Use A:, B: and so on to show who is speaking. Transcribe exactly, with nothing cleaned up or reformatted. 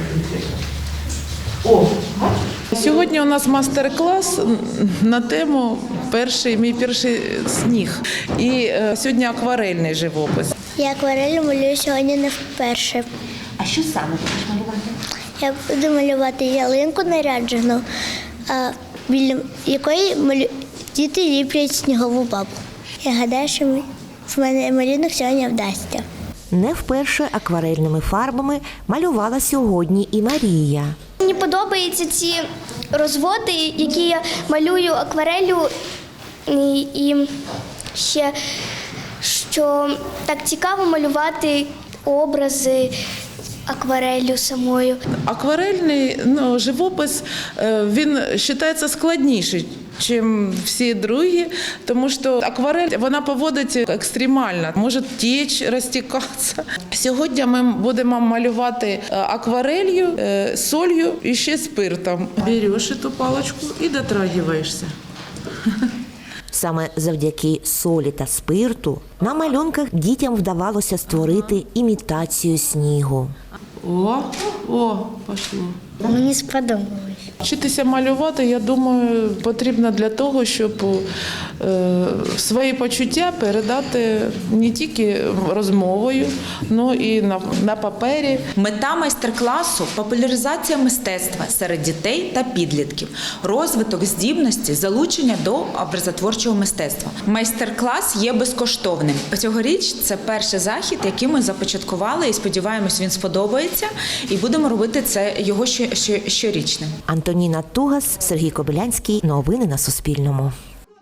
A: О, сьогодні у нас мастер-клас на тему перший, мій перший сніг. І е, сьогодні акварельний живопис.
B: Я акварель малюю сьогодні не вперше.
C: А що саме будеш малювати?
B: Я буду малювати ялинку наряджену, а біля якої малю... діти ліплять снігову бабу. Я гадаю, що ми... в мене малюнок сьогодні вдасться.
D: Не вперше акварельними фарбами малювала сьогодні і Марія.
E: Мені подобаються ці розводи, які я малюю аквареллю, і, і ще, що так цікаво малювати образи аквареллю самою.
A: Акварельний ну, живопис, е, він вважається складніший, чим всі другі, тому що акварель, вона поводить екстремально, може течь, розтікатися. Сьогодні ми будемо малювати акварелью, солью і ще спиртом. Береш цю паличку і дотрагиваєшся.
D: Саме завдяки солі та спирту на малюнках дітям вдавалося створити імітацію снігу.
A: О, о, пішло.
B: Мені сподобалось.
A: Вчитися малювати, я думаю, потрібно для того, щоб е, свої почуття передати не тільки розмовою, але і на, на папері.
C: Мета майстер-класу – популяризація мистецтва серед дітей та підлітків, розвиток здібності, залучення до образотворчого мистецтва. Майстер-клас є безкоштовним. Цьогоріч це перший захід, який ми започаткували, і сподіваємось, він сподобається, і будемо робити це його щорічним.
D: Антоніна Тугас, Сергій Кобилянський. Новини на Суспільному.